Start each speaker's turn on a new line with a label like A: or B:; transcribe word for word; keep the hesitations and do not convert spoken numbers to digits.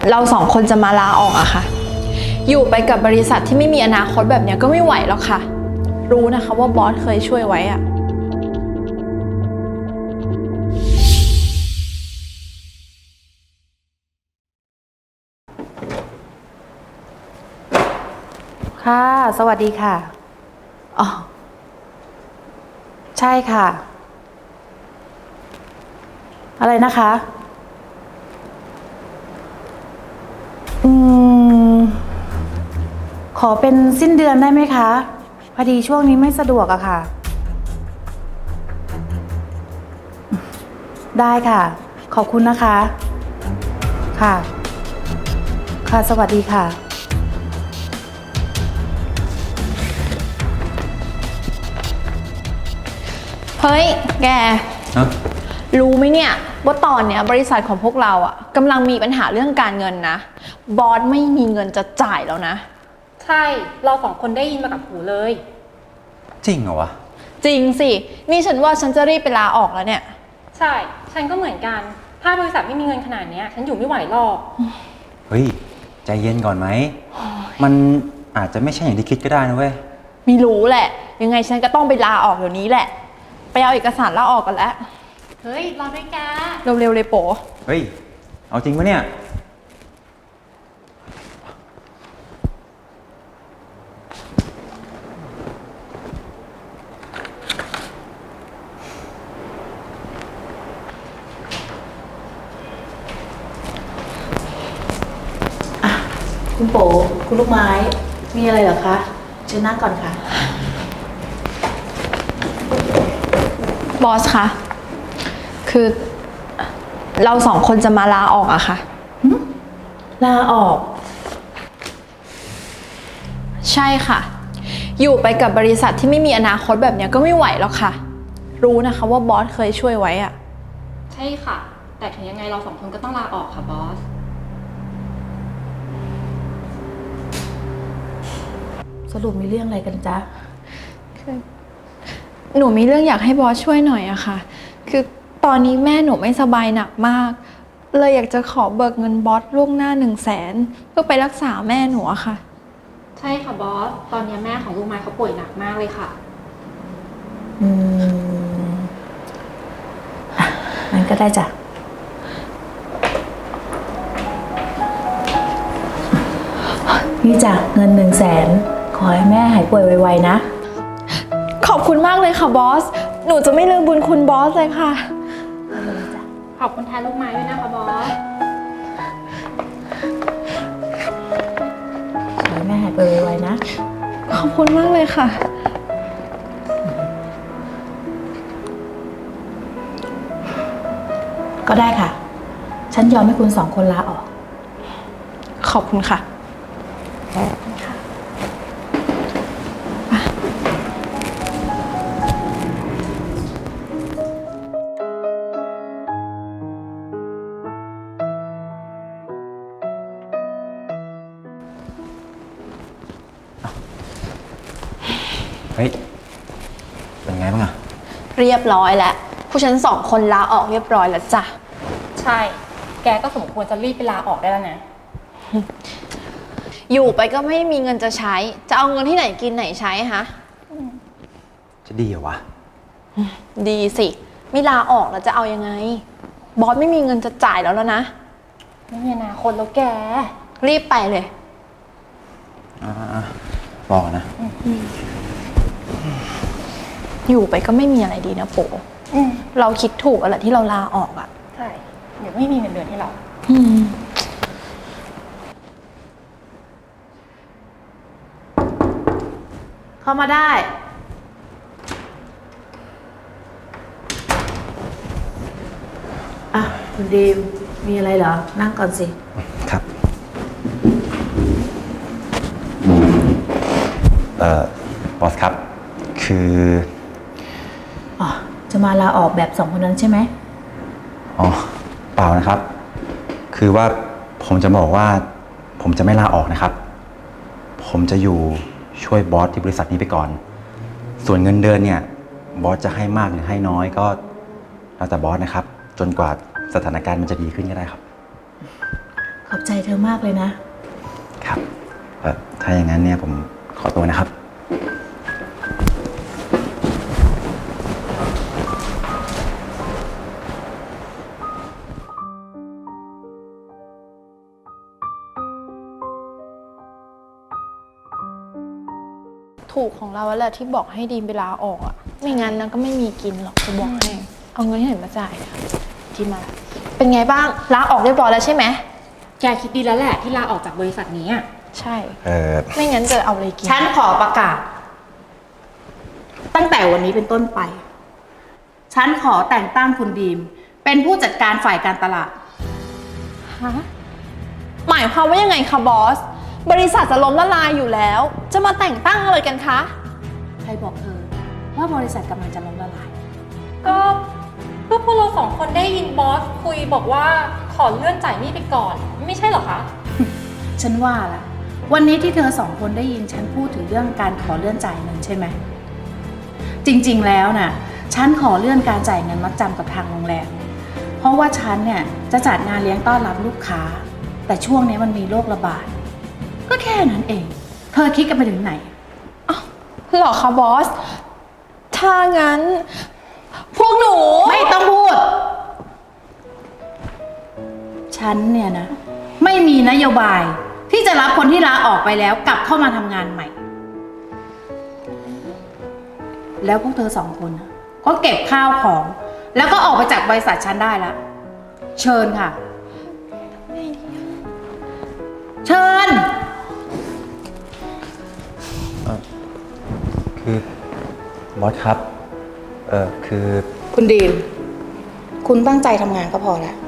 A: เราสองคนจะมาลาออกอะค่ะอยู่ไปกับบริษัทที่ไม่มีอนาคตแบบนี้ก็ไม่ไหวแล้วค่ะรู้นะคะว่าบอสเคยช่วยไว้อะ
B: ค่ะสวัสดีค่ะอ๋อใช่ค่ะอะไรนะคะอืมขอเป็นสิ้นเดือนได้ไหมคะพอดีช่วงนี้ไม่สะดวกอะค่ะได้ค่ะขอบคุณนะคะค่ะค่ะสวัสดีค่ะ
A: เฮ้ยแก
C: ฮะ
A: รู้ไหมเนี่ยว่าตอนเนี้ยบริษัทของพวกเราอะกำลังมีปัญหาเรื่องการเงินนะบอสไม่มีเงินจะจ่ายแล้วนะ
D: ใช่เราสองคนได้ยินมากับหูเลย
C: จริงเหรอวะ
A: จริงสินี่ฉันว่าฉันจะรีบไปลาออกแล้วเนี่ย
D: ใช่ฉันก็เหมือนกันถ้าบริษัทไม่มีเงินขนาดนี้ฉันอยู่ไม่ไหวหรอก
C: เฮ้ย ใจเย็นก่อนไหม มันอาจจะไม่ใช่อย่างที่คิดก็ได้นะเว้ย
A: ไม่รู้แหละ ยังไงฉันก็ต้องไปลาออกเดี๋ยวนี้แหละไปเอาเอกสารลาออกกันแล้ว
D: เฮ้ยรอด้วยแก
A: เร็วๆเลยโป๋
C: เฮ้ย เอาจริงปะเนี่ย
B: คุณโป๋คุณลูกไม้มีอะไรเหรอคะเชิญนั่งก่อนค่ะ
A: บอสคะคือเราสองคนจะมาลาออกอะค่ะ
B: ลาออก
A: ใช่ค่ะอยู่ไปกับบริษัทที่ไม่มีอนาคตแบบนี้ก็ไม่ไหวแล้วค่ะรู้นะคะว่าบอสเคยช่วยไว้อะ
D: ใช่ค่ะ แต่ถึงยังไงเราสองคนก็ต้องลาออกค่ะบอส
B: สรุปมีเรื่องอะไรกันจ๊ะ
A: คือหนูมีเรื่องอยากให้บอสช่วยหน่อยอะค่ะคือตอนนี้แม่หนูไม่สบายหนักมากเลยอยากจะขอเบิกเงินบอสล่วงหน้าหนึ่งแสนเพื่อไปรักษาแม่หนูอะค่ะ
D: ใช่ค่ะบอสตอนนี้แม่ของลูกไม้เขาป่วยหนักมากเลยค่ะ
B: อืมงั้นก็ได้จ้ะนี่จ้ะเงินหนึ่งแสนขอให้แม่หายป่วยไวๆนะ
A: ขอบคุณมากเลยค่ะบอสหนูจะไม่ลืมบุญคุณบอสเลยค่ะ
D: ขอบคุณแทนลูกไม้ด้วยนะคะบอส
B: ขอให้แม่หายป่วยไวๆนะ
A: ขอบคุณมากเลยค่ะ
B: ก็ได้ค่ะฉันยอมให้คุณสองคนลาออก
A: ขอบคุณค่ะ
C: เฮ้ย เป็นไงบ้างอะ
A: เรียบร้อยแล้วผู้ฉันสองคนลาออกเรียบร้อยแล้วจ้ะ
D: ใช่แกก็สมควรจะรีบไปลาออกได้แล้วนะ
A: อยู่ไปก็ไม่มีเงินจะใช้จะเอาเงินที่ไหนกินไหนใช้ฮะ
C: จะดีเหรอวะ
A: ดีสิไม่ลาออกแล้วจะเอายังไงบอสไม่มีเงินจะจ่ายแล้วแล้วนะ
D: ไม่มีอนาคตแล้วแก
A: รีบไปเลย
C: อ่าบอกนะ
A: อยู่ไปก็ไม่มีอะไรดีนะโปเราคิดถูกอะไรที่เราลาออกอ่ะ
D: ใช่เดี๋ยวไม่มีเงินเดือนให้เรา
B: เข้ามาได้อ่ะคุณดีมมีอะไรเหรอนั่งก่อนสิ
C: ครับเอ่อบอสครับคือ
B: อ๋อจะมาลาออกแบบสองคนนั้นใช่ไหม
C: อ๋อเปล่านะครับคือว่าผมจะบอกว่าผมจะไม่ลาออกนะครับผมจะอยู่ช่วยบอสที่บริษัทนี้ไปก่อนส่วนเงินเดือนเนี่ยบอสจะให้มากหรือให้น้อยก็แล้วแต่บอสนะครับจนกว่าสถานการณ์มันจะดีขึ้นก็ได้ครับ
B: ขอบใจเธอมากเลยนะ
C: ครับเอ่อถ้าอย่างนั้นเนี่ยผมขอตัวนะครับ
A: ถูกของเราแล้วแหละที่บอกให้ดีมไปลาออกอะไม่งั้นนะก็ไม่มีกินหรอกจะบอกให้ เอาเงินที่ไหนมาจ่ายอะดีมาละเป็นไงบ้างลาออกเรียบร้อยแล้วใช่ไหม
D: แกคิดดีแล้วแหละที่ลาออกจากบริษัทนี้อะ
A: ใช่
C: เออ
A: ไม่งั้นจะเอาอะไรกิน
B: ฉันขอประกาศ ตั้งแต่วันนี้เป็นต้นไป ฉันขอแต่งตั้งคุณดีม เป็นผู้จัดการฝ่ายการตลาด
A: ฮะหมายความว่ายังไงคะบอส บริษัทจะล้มละลายอยู่แล้ว จะมาแต่งตั้งอะไรกันคะ
B: ใครบอกเธอ ว่าบริษัทกำลังจะล้มละลาย
D: ก็ก็พวกเราสองคนได้ยินบอสคุยบอกว่าขอเลื่อนจ่ายหนี้ไปก่อน ไม่ใช่เหรอคะ
B: ฉันว่าละวันนี้ที่เธอสองคนได้ยินฉันพูดถึงเรื่องการขอเลื่อนจ่ายเงินใช่ไหม จริงๆแล้วน่ะ ฉันขอเลื่อนการจ่ายเงินมัดจำกับทางโรงแรม เพราะว่าฉันเนี่ยจะจัดงานเลี้ยงต้อนรับลูกค้า แต่ช่วงนี้มันมีโรคระบาด ก็แค่นั้นเอง เธอคิดกันไปถึงไหน
A: หรอคะบอส ถ้างั้น พวกหนู
B: ไม่ต้องพูด ฉันเนี่ยนะ ไม่มีนโยบายที่จะรับคนที่ลาออกไปแล้วกลับเข้ามาทำงานใหม่ แล้วพวกเธอสองคนนะก็เก็บข้าวของ แล้วก็ออกไปจากบริษัทฉันได้แล้ว เชิญค่ะ เชิญ
C: คือบอสครับ เออคือ
B: คุณดีม คุณตั้งใจทำงานก็พอแล้ว